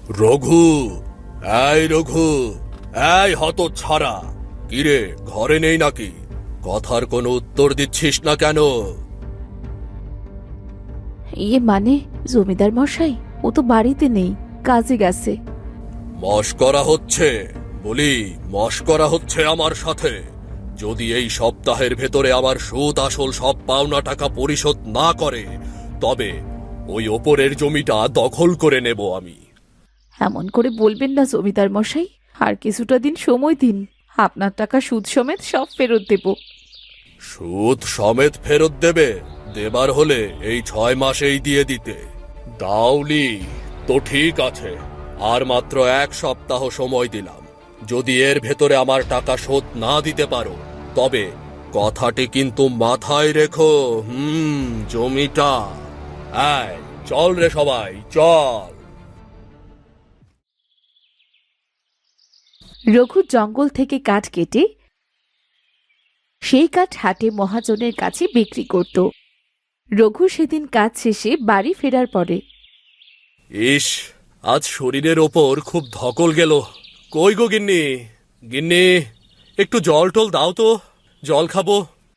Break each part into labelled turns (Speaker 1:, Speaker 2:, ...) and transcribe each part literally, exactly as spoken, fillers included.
Speaker 1: রঘু, এই রঘু, এই হতচ্ছাড়া, কিরে ঘরে নেই নাকি? কথার কোনো উত্তর দিচ্ছিস না কেন?
Speaker 2: ইয়ে মানে জমিদার মশাই, ও তো বাড়িতে নেই, কাজে গেছে।
Speaker 1: মশকরা হচ্ছে, বলি মশকরা হচ্ছে আমার সাথে। যদি এই সপ্তাহের ভেতরে আমার সুদ আসল সব পাওনা টাকা পরিশোধ না করে, তবে ওই ওপরের জমিটা দখল করে নেব আমি।
Speaker 2: এমন করে বলবেন না জমিদার মশাই, আর কিছুটা দিন সময় দিন, আপনার টাকা সুদ সমেত সব ফেরত দেব।
Speaker 1: সুদ সমেত ফেরত দেবে? দেবার হলে এই ছয় মাসেই দিয়ে দিতে। দাওলি তো ঠিক আছে, আর মাত্র এক সপ্তাহ সময় দিলাম। যদি এর ভেতরে আমার টাকা শোধ না দিতে পারো, তবে কথাটি কিন্তু মাথায় রেখো। হুম জমিটা, আয় চল রে সবাই চল।
Speaker 2: রঘু জঙ্গল থেকে কাঠ কেটে সেই কাঠ হাটে মহাজনের কাছে বিক্রি করত। রঘু সেদিন কাজ শেষে বাড়ি ফেরার পরে,
Speaker 1: ইস, আজ শরীরের ওপর খুব ধকল গেল। কই গো গিন্নি, গিন্নি, একটু জল টল দাও তো, জল খাবো।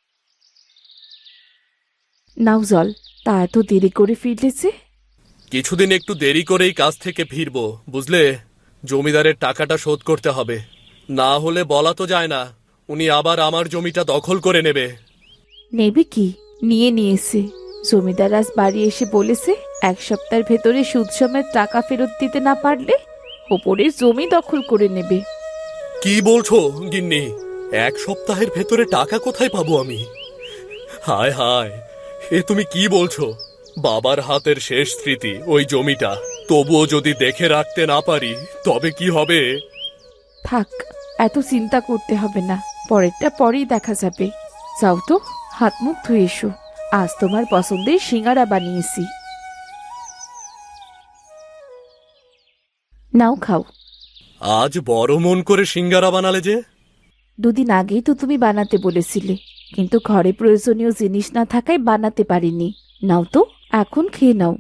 Speaker 2: নাও জল। তা এত দেরি করে ফিরলেছে?
Speaker 1: কিছুদিন একটু দেরি করেই কাজ থেকে ফিরবো, বুঝলে। জমিদারের টাকাটা শোধ করতে হবে, না হলে বলা তো যায় না উনি আবার আমার জমিটা দখল করে নেবে।
Speaker 2: নেবে কি? নিয়ে নিয়েছে। জমিদার আজ বাড়ি এসে বলেছে এক সপ্তাহের ভেতরে সুদ সমেত টাকা ফেরত দিতে না পারলে ওপরের জমি দখল করে নেবে।
Speaker 1: কি বলছো গিন্নি? এক সপ্তাহের ভেতরে টাকা কোথায় পাবো আমি? হায় হায়, এ তুমি কি বলছো? বাবার হাতের শেষ স্মৃতি ওই জমিটা, তবুও যদি দেখে রাখতে না পারি তবে কি হবে?
Speaker 2: থাক, এত চিন্তা করতে হবে না, পরেরটা পরেই দেখা যাবে। যাও তো, হাত মুখ ধুয়ে এসো। আজ তোমার পছন্দের সিঙ্গারা বানিয়েছি, নাও খাও।
Speaker 1: আজ বড় মন করে সিঙ্গারা বানালে যে?
Speaker 2: দুদিন আগেই তো তুমি বানাতে বলেছিলে, কিন্তু ঘরে প্রয়োজনীয় জিনিস না থাকায় বানাতে পারিনি। নাও তো, এখন খেয়ে নাও।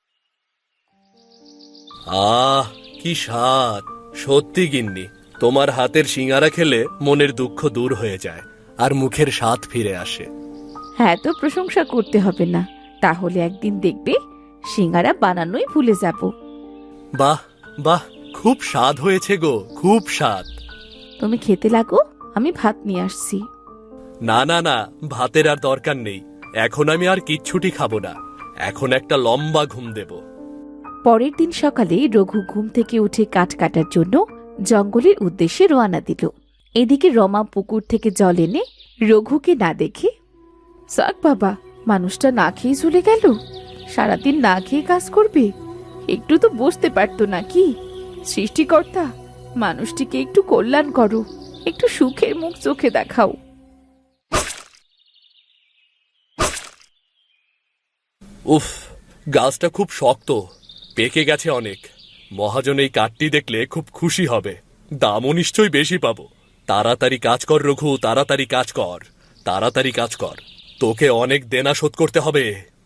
Speaker 1: আহ কি স্বাদ! সত্যি গিন্নি, তোমার হাতের সিঙ্গারা খেলে মনের দুঃখ দূর হয়ে যায় আর মুখের স্বাদ ফিরে আসে।
Speaker 2: হ্যাঁ, তো প্রশংসা করতে হবে না, তাহলে একদিন দেখবে সিঙ্গারা বানানোই ভুলে যাব।
Speaker 1: বাহ বাহ, খুব স্বাদ হয়েছে গো, খুব স্বাদ।
Speaker 2: তুমি খেতে লাগো, আমি ভাত নিয়ে আসছি।
Speaker 1: না না না, ভাতের আর দরকার নেই। এখন আমি আর কিচ্ছুটি খাবো না, এখন একটা লম্বা ঘুম দেব।
Speaker 2: পরের দিন সকালে রঘু ঘুম থেকে উঠে কাঠ কাটার জন্য জঙ্গলের উদ্দেশ্যে রওনা দিল। এদিকে রমা পুকুর থেকে জল এনে রঘুকে না দেখে, যাক বাবা, মানুষটা না খেয়ে চলে গেল। সারাদিন না খেয়ে কাজ করবে, একটু তো বসতে পারতো নাকি? সৃষ্টিকর্তা, মানুষটিকে একটু কল্যাণ করো, একটু সুখের মুখ চোখে দেখাও।
Speaker 1: উফ, গাছটা খুব শক্ত, পেকে গেছে অনেক। মহাজন এই কাঠটি দেখলে খুব খুশি হবে, দামও নিশ্চয়ই বেশি পাবো। তাড়াতাড়ি কাজ কর রঘু, তাড়াতাড়ি কাজ কর, তাড়াতাড়ি কাজ কর, তোকে অনেক দেনা শোধ করতে হবে।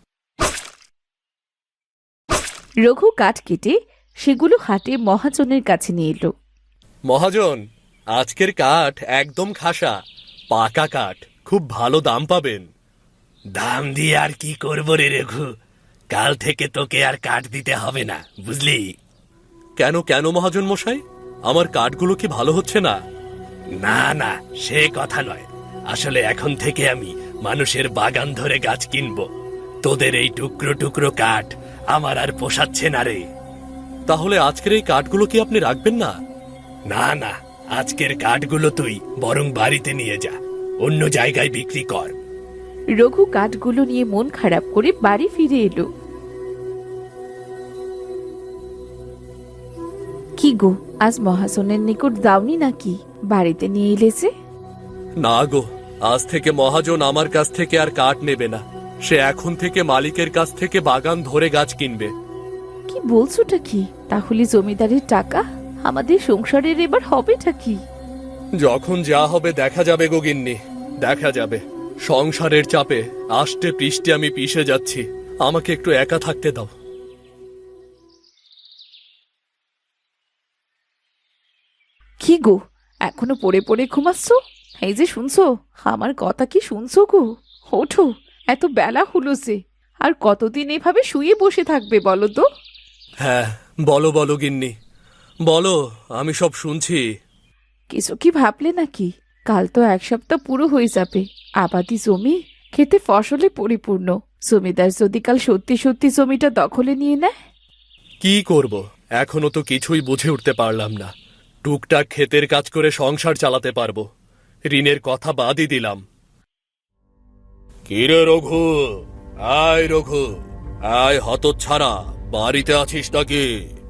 Speaker 2: রঘু কাঠ কেটে সেগুলো হাটে মহাজনের কাছে নিয়ে এলো।
Speaker 1: মহাজন, আজকের কাঠ একদম খাসা, পাকা কাঠ, খুব ভালো দাম পাবেন।
Speaker 3: দাম দিয়ে আর কি করব রে রঘু? কাল থেকে তোকে আর কাঠ দিতে হবে না, বুঝলি?
Speaker 1: কেন কেন মহাজন মশাই, আমার কাঠগুলো কি ভালো হচ্ছে না?
Speaker 3: না না, সে কথা নয়। আসলে এখন থেকে আমি মানুষের বাগান ধরে গাছ কিনবো। তোদের এই টুকরো টুকরো কাঠ আমার আর পোষাচ্ছে না রে।
Speaker 1: তাহলে আজকের এই কাঠগুলো কি আপনি রাখবেন না?
Speaker 3: না না, আজকের কাঠগুলো তুই বরং বাড়িতে নিয়ে যা, অন্য জায়গায় বিক্রি কর।
Speaker 2: রঘু কাঠগুলো নিয়ে মন খারাপ করে বাড়ি ফিরে এলো। কি গো, আজ মহাজনের নিকট দাওনি নাকি? বাড়িতে নিয়ে এলেছে?
Speaker 1: না গো, আজ থেকে মহাজন আমার কাছ থেকে আর কাঠ নেবে না। সে এখন থেকে মালিকের কাছ থেকে বাগান ধরে গাছ কিনবে।
Speaker 2: কি বলছোটা কি? তাহলে জমিদারের টাকা আমাদের সংসারের এবার হবেটা কি?
Speaker 1: যখন যা হবে দেখা যাবে গো গিন্নি, দেখা যাবে। সংসারের চাপে আষ্টে পৃষ্ঠে আমি পিষে যাচ্ছি, আমাকে একটু একা থাকতে দাও।
Speaker 2: কি গো, এখনো পড়ে পড়ে ঘুমাচ্ছ? এই যে শুনছো, আমার কথা কি শুনছো গো? ওঠো, এত বেলা হলো যে। আর কতদিন এভাবে শুয়ে বসে থাকবে বলো তো?
Speaker 1: হ্যাঁ, বলো বলো গিন্নি, বলো, আমি সব শুনছি।
Speaker 2: কিছু কি ভাবলে নাকি? কাল তো এক সপ্তাহ পুরো হয়ে যাবে। আবাদি জমি, খেতে ফসলে পরিপূর্ণ। জমিদার যদি কাল সত্যি সত্যি জমিটা দখলে নিয়ে নেয়?
Speaker 1: কি করব, এখনো তো কিছুই বুঝে উঠতে পারলাম না। টুকটাক ক্ষেতের কাজ করে সংসার চালাতে পারবো, ঋণের কথা বাদই দিলাম। কিরে রঘু, আয় রঘু, আয় হতচ্ছাড়া, বাড়িতে আছিস নাকি?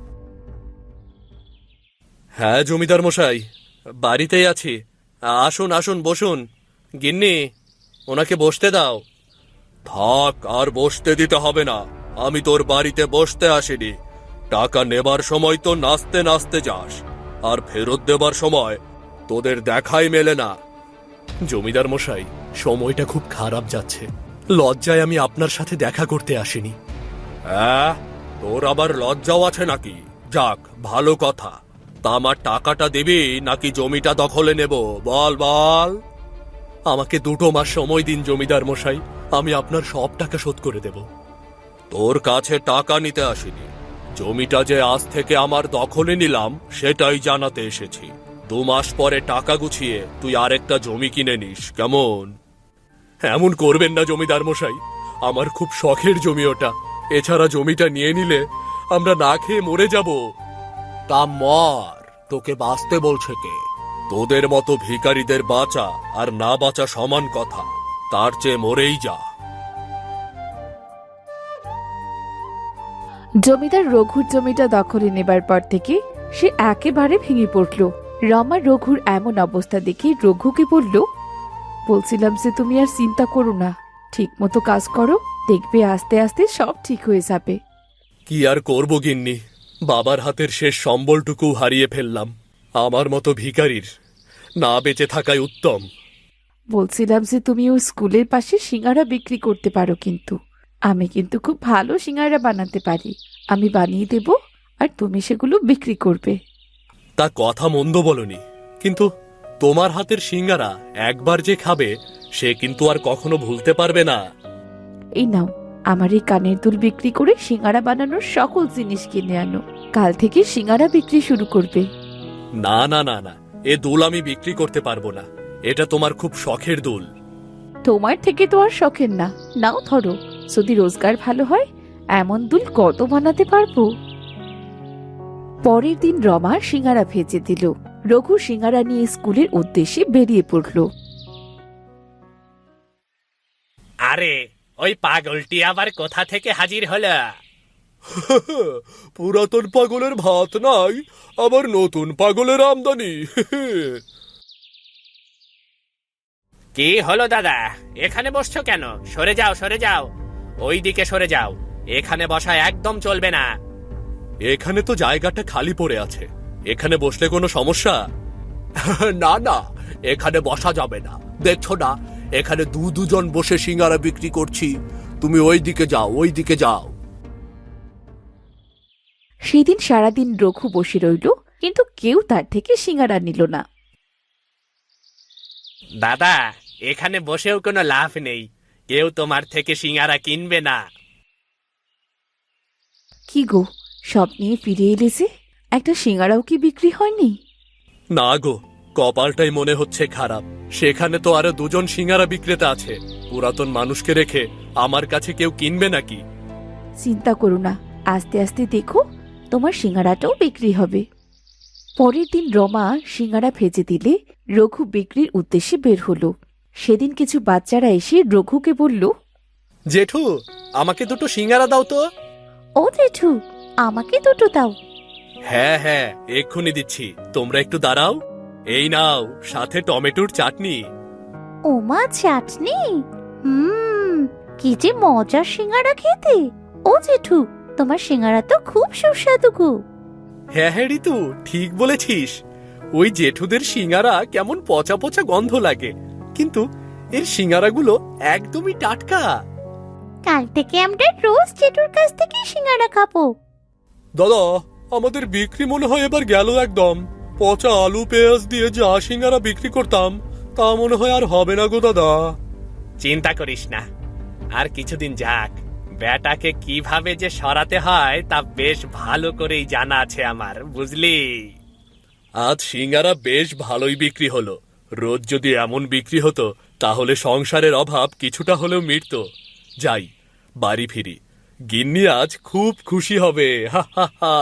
Speaker 1: হ্যাঁ জমিদার মশাই, বাড়িতেই আছি। আসুন আসুন, বসুন। গিন্নি, ওনাকে বসতে দাও। থাক, আর বসতে দিতে হবে না। আমি তোর বাড়িতে বসতে আসিনি। টাকা নেবার সময় তো নাচতে নাচতে যাস, আর ফেরত দেবার সময় তোদের দেখাই মেলে না। জমিদার মশাই, সময়টা খুব খারাপ যাচ্ছে, লজ্জায় আমি আপনার সাথে দেখা করতে আসিনি। হ্যাঁ, তোর আবার লজ্জাও আছে নাকি? যাক, ভালো কথা। তা আমার টাকাটা দিবি নাকি জমিটা দখলে নেব? বল বল। আমাকে দুটো মাস সময় দিন জমিদার মশাই, আমি আপনার সব টাকা শোধ করে দেব। তোর কাছে টাকা নিতে আসিনি, জমিটা যে আজ থেকে আমার দখলে নিলাম সেটাই জানাতে এসেছি। দু মাস পরে টাকা গুছিয়ে তুই আরেকটা জমি কিনে নিস, কেমন? এমন করবেন না জমিদার মশাই, আমার খুব শখের জমি ওটা। এছাড়া জমিটা নিয়ে নিলে আমরা না খেয়ে মরে যাব। তা মর, তোকে বাঁচতে বলছে কে? তোদের মতো ভিখারিদের বাঁচা আর না বাঁচা সমান কথা, তার চেয়ে মরেই যা।
Speaker 2: জমিদার রঘুর জমিটা দখলে নেবার পর থেকে সে একেবারে ভেঙে পড়ল। রমা রঘুর এমন অবস্থা দেখে রঘুকে বলল, বলছিলাম যে তুমি আর চিন্তা করো না, ঠিক মতো কাজ করো, দেখবে আস্তে আস্তে সব ঠিক হয়ে যাবে।
Speaker 1: কি আর করব গিন্নি, বাবার হাতের শেষ সম্বলটুকু হারিয়ে ফেললাম। আমার মতো ভিখারির না বেঁচে থাকাই উত্তম।
Speaker 2: বলছিলাম যে তুমি ওই স্কুলের পাশে সিঙ্গারা বিক্রি করতে পারো, কিন্তু আমি কিন্তু খুব ভালো সিঙ্গারা বানাতে পারি। আমি বানিয়ে দেব, আর তুমি সেগুলো বিক্রি করবে।
Speaker 1: তা কথা মন্দ বলনি, কিন্তু তোমার হাতের সিঙ্গারা একবার যে খাবে সে কিন্তু আর কখনো ভুলতে পারবে না।
Speaker 2: এই নাও, আমার এই কানের দুল বিক্রি করে সিঙ্গারা বানানোর সকল জিনিস কিনে আনো। কাল থেকে সিঙ্গারা বিক্রি শুরু করবে।
Speaker 1: না না না না, এ দুল আমি বিক্রি করতে পারবো না। এটা তোমার খুব শখের দুল।
Speaker 2: তোমার থেকে তো আর শখের না। নাও ধরো, যদি রোজগার ভালো হয় এমন দুল কত বানাতে পারবো। পরের দিন রমা সিঙ্গারা ভেজে দিল। রঘু সিঙ্গারা নিয়ে স্কুলের উদ্দেশ্যে বেরিয়ে পড়ল।
Speaker 3: আরে, ওই পাগলটি আবার কোথা থেকে হাজির হলো?
Speaker 1: পুরাতন পাগলের ভাত নাই, আবার নতুন পাগলের আমদানি।
Speaker 3: কি হলো দাদা, এখানে বসছো কেন? সরে যাও সরে যাও, ওই দিকে সরে যাও। এখানে বসা একদম চলবে না।
Speaker 1: এখানে তো জায়গাটা খালি পড়ে আছে, এখানে বসলে কোনো সমস্যা? না না, এখানে বসা যাবে না। দেখছো না, এখানে দু দুজন বসে সিঙ্গারা বিক্রি করছি। তুমি ওই দিকে যাও, ওই দিকে যাও।
Speaker 2: সেদিন সারাদিন রঘু বসে রইল, কিন্তু কেউ তার থেকে সিঙ্গারা নিল না।
Speaker 3: দাদা, এখানে বসেও কোনো লাভ নেই, কেউ তোমার থেকে সিঙ্গারা কিনবে না।
Speaker 2: কি গো, সব নিয়ে ফিরে এলে যে, একটা সিঙ্গারাও কি বিক্রি হয়নি?
Speaker 1: না গো, কপালটাই মনে হচ্ছে খারাপ। সেখানে তো আরো দুজন সিঙ্গারা বিক্রেতা আছে, পুরাতন মানুষকে রেখে আমার কাছে কেউ কিনবে নাকি?
Speaker 2: চিন্তা করো না, আস্তে আস্তে দেখো তোমার সিঙ্গারাটাও বিক্রি হবে। পরের দিন রমা সিঙ্গারা ভেজে দিলে রঘু বিক্রির উদ্দেশ্যে বের হলো। সেদিন কিছু বাচ্চারা এসে রঘুকে বলল,
Speaker 1: জেঠু, আমাকে দুটো সিঙ্গারা দাও তো।
Speaker 2: ও জেঠু, আমাকে দুটো দাও।
Speaker 1: হ্যাঁ হ্যাঁ, এক্ষুনি দিচ্ছি, তোমরা একটু দাঁড়াও। এই নাও, সাথে টমেটোর চাটনি।
Speaker 4: ওমা, চাটনি! হুম, কি যে মজার সিঙ্গারা খেতে। ও জেঠু, তোমার সিঙ্গারা তো খুব সুস্বাদু গো।
Speaker 1: হ্যাঁ হ্যাঁ ঋতু, ঠিক বলেছিস। ওই জেঠুদের সিঙ্গারা কেমন পচা পচা গন্ধ লাগে, কিন্তু এর সিঙ্গারাগুলো একদমই টাটকা।
Speaker 4: কাল থেকে আমরা রোজ জেঠুর কাছ থেকে সিঙ্গারা খাবো।
Speaker 1: দাদা, আমাদের বিক্রি মনে হয় এবার গেল একদম। পচা আলু পেঁয়াজ দিয়ে যা সিঙ্গারা বিক্রি করতাম তা মনে হয় আর হবে না গো দাদা।
Speaker 3: চিন্তা করিস না, আর কিছুদিন যাক, বেটাকে কিভাবে যে সরাতে হয় তা বেশ ভালো করেই জানা আছে আমার, বুঝলি?
Speaker 1: আজ সিঙ্গারা বেশ ভালোই বিক্রি হলো। রোজ যদি এমন বিক্রি হতো তাহলে সংসারের অভাব কিছুটা হলেও মিটতো। যাই, বাড়ি ফিরি, গিন্নি আজ খুব খুশি হবে। হা হা হা।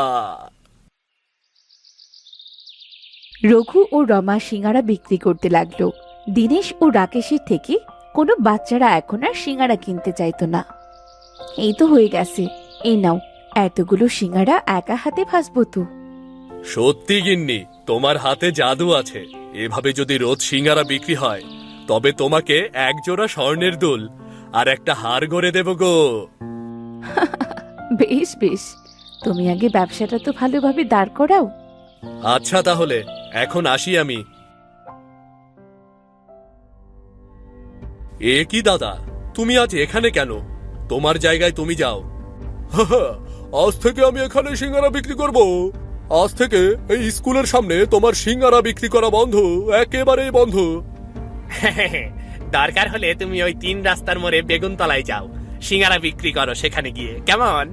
Speaker 2: রঘু ও রমা সিঙ্গারা বিক্রি করতে লাগলো। দীনেশ ও রাকেশের থেকে কোনো বাচ্চারা এখন আর সিঙ্গারা কিনতে চাইতো না। এই তো হয়ে গেছে, এই নাও, এতগুলো সিঙ্গারা একা হাতে ভাসবো তো।
Speaker 1: সত্যি গিন্নি, তোমার হাতে জাদু আছে। এভাবে যদি রোজ সিঙ্গারা বিক্রি হয় তবে তোমাকে এক জোড়া স্বর্ণের দুল আর একটা হার গড়ে দেব গো।
Speaker 2: বেশ বেশ, তুমি আগে ব্যবসাটা তো ভালোভাবে দাঁড় করাও।
Speaker 1: আচ্ছা তাহলে এখন আসি আমি। এ কি দাদা, তুমি আজ এখানে কেন? তোমার জায়গায় তুমি যাও। আজ থেকে আমি এখানে সিঙ্গারা বিক্রি করব। আজ থেকে এই স্কুলের সামনে তোমার সিঙ্গারা বিক্রি করা বন্ধ, একেবারেই বন্ধ।
Speaker 3: দরকার হলে তুমি ওই তিন রাস্তার মোড়ে বেগুনতলায় যাও, সিঙ্গারা বিক্রি করো সেখানে গিয়ে, কেমন?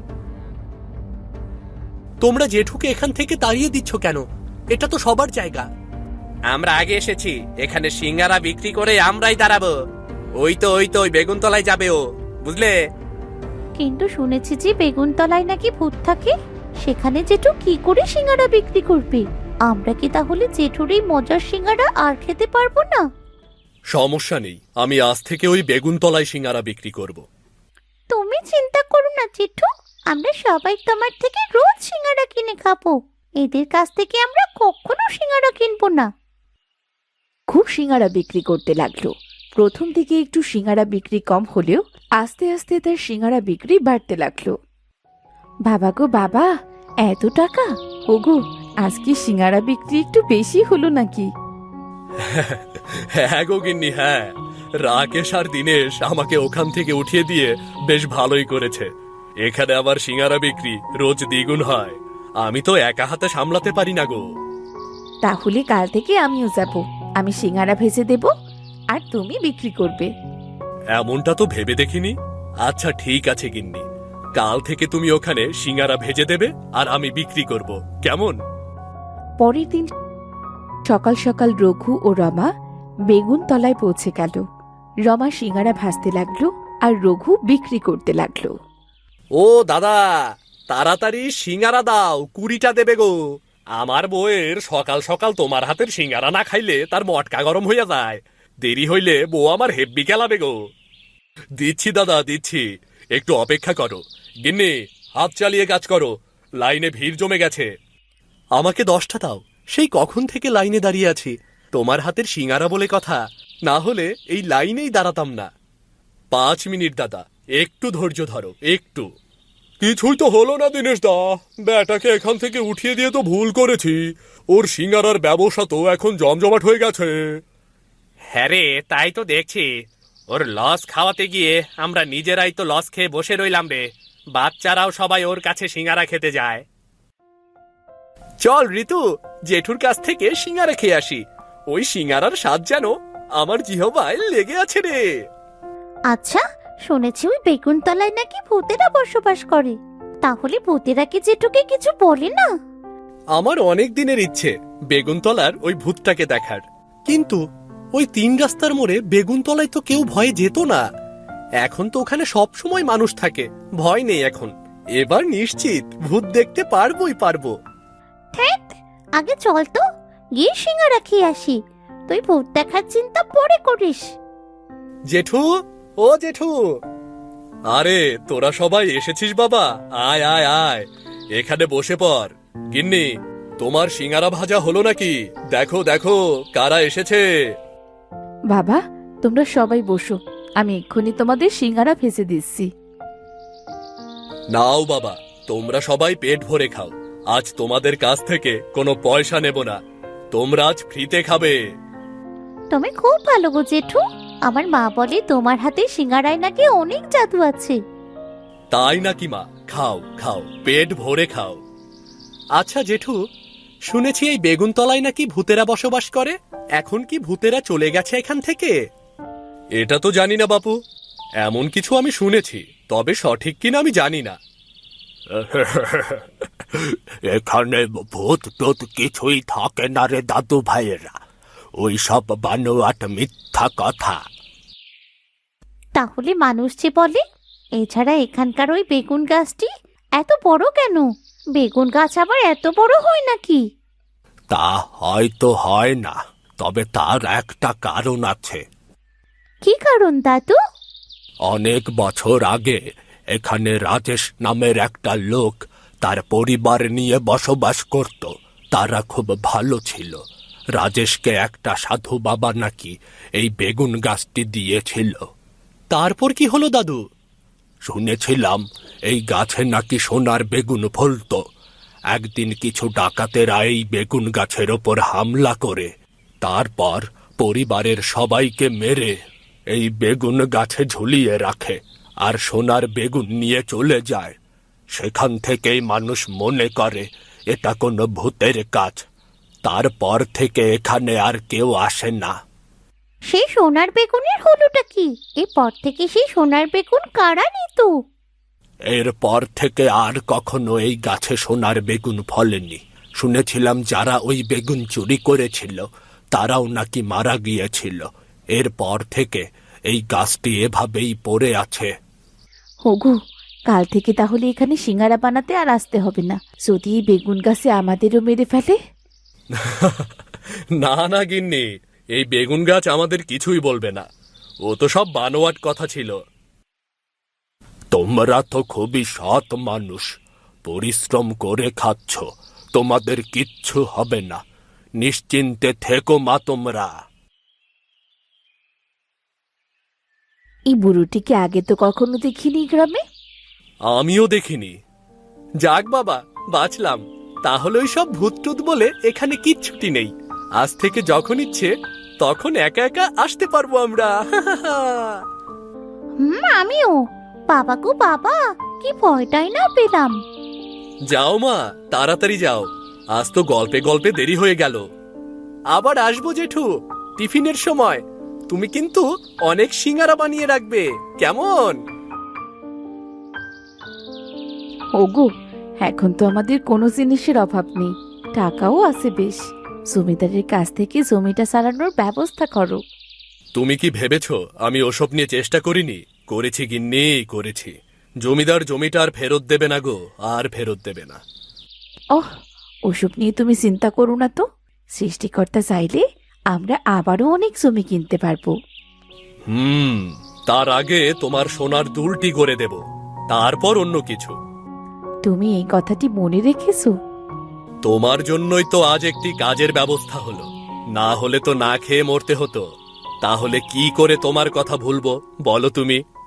Speaker 1: তোমরা জেঠুকে এখান থেকে তাড়িয়ে দিচ্ছ কেন? এটা তো সবার জায়গা।
Speaker 3: আমরা আগে এসেছি, এখানে সিঙ্গারা বিক্রি করে আমরাই দাঁড়াবো। ওই তো ওই তো ওই বেগুনতলায় যাবে ও, বুঝলে?
Speaker 4: কিন্তু শুনেছি যে বেগুনতলায় নাকি ভূত থাকে, সেখানে জেঠু কি করে সিঙ্গারা বিক্রি করবে? আমরা কি তাহলে জেঠুর এই মজার সিঙ্গারা আর খেতে পারবো না?
Speaker 1: সমস্যা নেই, আমি আজ থেকে ওই বেগুনতলায় সিঙ্গারা বিক্রি করব।
Speaker 4: তুমি চিন্তা করো না জেঠু, আমরা সবাই তোমার থেকে রোজ সিঙ্গারা কিনে খাবো। এদের কাছ থেকে আমরা কখনো সিঙ্গারা কিনবো না।
Speaker 2: খুব সিঙ্গারা বিক্রি করতে লাগলো। প্রথম দিকে একটু সিঙ্গারা বিক্রি কম হলেও আস্তে আস্তে তার সিঙ্গারা বিক্রি বাড়তে লাগলো। বাবা গো বাবা, এত টাকা! ওগো, আজকে সিঙ্গারা বিক্রি একটু বেশি হলো নাকি?
Speaker 1: হ্যাঁ গো গিন্নি, হ্যাঁ, রাকেশ আর দীনেশ আমাকে ওখান থেকে উঠিয়ে দিয়ে বেশ ভালোই করেছে। এখানে আবার সিঙ্গারা বিক্রি রোজ দ্বিগুণ হয়। আমি তো একা হাতে সামলাতে পারি না গো।
Speaker 2: তাহলে কাল থেকে আমিও যাব, আমি সিঙ্গারা ভেজে দেব আর তুমি বিক্রি করবে।
Speaker 1: এমনটা তো ভেবে দেখিনি। আচ্ছা ঠিক আছে গিন্নি, কাল থেকে তুমি ওখানে সিঙ্গারা ভেজে দেবে আর আমি বিক্রি করব, কেমন?
Speaker 2: পরের দিন সকাল সকাল রঘু ও রমা বেগুন তলায় পৌঁছে গেল। রমা সিঙ্গারা ভাজতে লাগলো আর রঘু বিক্রি করতে লাগলো।
Speaker 1: ও দাদা, তাড়াতাড়ি সিঙ্গারা দাও, কুড়িটা দেবে গো। আমার বউয়ের সকাল সকাল তোমার হাতের সিঙ্গারা না খাইলে তার মটকা গরম হইয়া যায়। দেরি হইলে বউ আমার হেব্বি খেলাবে গো। দিচ্ছি দাদা, দিচ্ছি, একটু অপেক্ষা করো। গিন্নি, হাত চালিয়ে কাজ করো, লাইনে ভিড় জমে গেছে। আমাকে দশটা দাও, সেই কখন থেকে লাইনে দাঁড়িয়ে আছি। তোমার হাতের সিঙ্গারা বলে কথা, না হলে এই লাইনেই দাঁড়াতাম না। পাঁচ মিনিট দাদা, একটু ধৈর্য ধরো, একটু। কিছুই তো হলো না দীনেশ দা, ব্যাটাকে এখান থেকে উঠিয়ে দিয়ে তো ভুল করেছি। ওর সিঙ্গারার ব্যবসা তো এখন জমজমাট হয়ে গেছে।
Speaker 3: হ্যাঁ রে, তাই তো দেখছি। ওর লস খাওয়াতে গিয়ে আমরা নিজেরাই তো লস খেয়ে বসে রইলাম রে। বাচ্চারাও সবাই ওর কাছে সিঙ্গারা খেতে যায়। চল ঋতু, জেঠুর কাছ থেকে সিঙ্গারা খেয়ে আসি। ওই সিঙ্গারার স্বাদ যেন আমার জিহবায় লেগে আছে রে।
Speaker 4: আচ্ছা, শুনেছি ওই বেগুনতলায় নাকি ভূতেরা বসবাস করে। তাহলে ভূতেরা কি জেঠুকে কিছু বলে না?
Speaker 1: আমার অনেক দিনের ইচ্ছে বেগুনতলার ওই ভূতটাকে দেখার, কিন্তু ওই তিন রাস্তার মোড়ে বেগুনতলায় তো কেউ ভয়ে যেত না। এখন তো ওখানে সব সময় মানুষ থাকে, ভয় নেই এখন। এবার নিশ্চিত ভূত দেখতে পারবোই পারবো।
Speaker 4: ধ্যাৎ, আগে চল তো, গিয়ে সিঙ্গারা খেয়ে আসি। তুই ভূত দেখার চিন্তা পরে করিস।
Speaker 1: জেঠু, ও জেঠু। আরে তোরা সবাই এসেছিস বাবা, আয় আয় আয়, এখানে বসে পড়। গিন্নি, তোমার সিঙ্গারা ভাজা হলো নাকি? দেখো দেখো কারা এসেছে।
Speaker 2: বাবা, তোমরা সবাই বসো, আমি এক্ষুনি তোমাদের সিঙ্গারা ভেজে দিচ্ছি।
Speaker 1: নাও বাবা, তোমরা সবাই পেট ভরে খাও। আজ তোমাদের কাছ থেকে কোনো পয়সা নেব না, তোমরা আজ ফ্রিতে খাবে।
Speaker 4: তুমি খুব ভালো গো জেঠু। আমার মা বলে তোমার হাতে সিঙ্গারায় নাকি অনেক জাদু আছে।
Speaker 1: তাই নাকি মা? খাও খাও, পেট ভরে খাও। আচ্ছা জেঠু,
Speaker 3: শুনেছি এই বেগুনতলায় নাকি ভূতেরা বসবাস করে। এখন কি ভূতেরা চলে গেছে এখান থেকে?
Speaker 1: এটা তো জানি না বাপু, এমন কিছু আমি শুনেছি, তবে সঠিক কিনা আমি জানি না।
Speaker 5: এখানে ভূত টুত কিছুই থাকে না রে দাদু ভাইয়েরা, ওই সব বানোয়াট মিথ্যা কথা।
Speaker 4: তাহলে মানুষ যে বলে। এছাড়া এখানকার ওই বেগুন গাছটি এত বড় কেন? বেগুন গাছ আবার এত বড় হয় নাকি?
Speaker 5: তা হয়তো হয় না, তবে তার একটা কারণ আছে।
Speaker 4: কি কারণ দাদু?
Speaker 5: অনেক বছর আগে এখানে রাজেশ নামের একটা লোক তার পরিবার নিয়ে বসবাস করত। তারা খুব ভালো ছিল। রাজেশকে একটা সাধু বাবা নাকি এই বেগুন গাছটি দিয়েছিল।
Speaker 3: তারপর কি হলো দাদু?
Speaker 5: শুনেছিলাম এই গাছে নাকি সোনার বেগুন ফলত। একদিন কিছু ডাকাতেরা এই বেগুন গাছের ওপর হামলা করে তারপর পরিবারের সবাইকে মেরে এই বেগুন গাছে ঝুলিয়ে রাখে আর সোনার বেগুন নিয়ে চলে যায়। সেখান থেকেই মানুষ মনে করে এটা কোনো ভূতের কাজ। তারপর থেকে এখানে আর কেউ আসে না।
Speaker 4: সেই সোনার বেগুনের হলোটা কি? এরপর থেকে সেই সোনার বেগুন কারা নিত?
Speaker 5: এরপর থেকে আর কখনো এই গাছে সোনার বেগুন ফলেনি। শুনেছিলাম যারা ওই বেগুন চুরি করেছিল তারাও নাকি মারা গিয়েছিল। এরপর থেকে এই গাছটি এভাবেই পড়ে আছে।
Speaker 2: ওগো, কাল থেকে তাহলে এখানে সিঙ্গারা বানাতে আর আসতে হবে না। যদি এই বেগুন গাছে আমাদেরও মেরে ফেলে?
Speaker 1: না না গিন্নি, এই বেগুন গাছ আমাদের কিছুই বলবে না। ও তো সব বানোয়াট কথা ছিল।
Speaker 5: তোমরা তো খুবই সৎ মানুষ, পরিশ্রম করে খাচ্ছ, তোমাদের কিচ্ছু হবে না। নিশ্চিন্তে থেকো মা তোমরা।
Speaker 2: এই বুড়োটিকে আগে তো কখনো দেখিনি গ্রামে।
Speaker 1: আমিও দেখিনি।
Speaker 3: যাক বাবা, বাঁচলাম। তাহলে ওই সব ভূতটুত বলে এখানে কিচ্ছুটি নেই। আজ থেকে যখন ইচ্ছে তখন একা একা আসতে পারবো আমরা।
Speaker 4: হুম, আমিও। বাবা গো বাবা, কি ভয়টাই না পেলাম।
Speaker 1: যাও মা, তাড়াতাড়ি যাও, আজ তো গল্পে গল্পে দেরি হয়ে গেল।
Speaker 3: আবার আসবো জেঠু, টিফিনের সময়। তুমি কিন্তু অনেক সিঙ্গারা বানিয়ে রাখবে, কেমন?
Speaker 2: ওগো, এখন তো আমাদের কোনো জিনিসের অভাব নেই, টাকাও আছে বেশ। জমিদারের কাছ থেকে জমিটা চালানোর ব্যবস্থা করো।
Speaker 1: তুমি কি ভেবেছ আমি ওসব নিয়ে চেষ্টা করিনি? করেছি গিন্নি, করেছি। জমিদার জমিটা আর ফেরত দেবে না গো, আর ফেরত দেবে না।
Speaker 2: ওহ, ওসব নিয়ে তুমি চিন্তা করো না তো। সৃষ্টিকর্তা চাইলে আমরা আবারও অনেক জমি কিনতে পারবো।
Speaker 1: হুম, তার আগে তোমার সোনার দুলটি করে দেব, তারপর অন্য কিছু।
Speaker 2: তুমি এই কথাটি মনে রেখেছো?
Speaker 1: তোমার জন্যই তো আজ একটি কাজের ব্যবস্থা হলো, না হলে তো না খেয়ে মরতে হতো। তাহলে কি করে তোমার কথা ভুলবো বলো তুমি?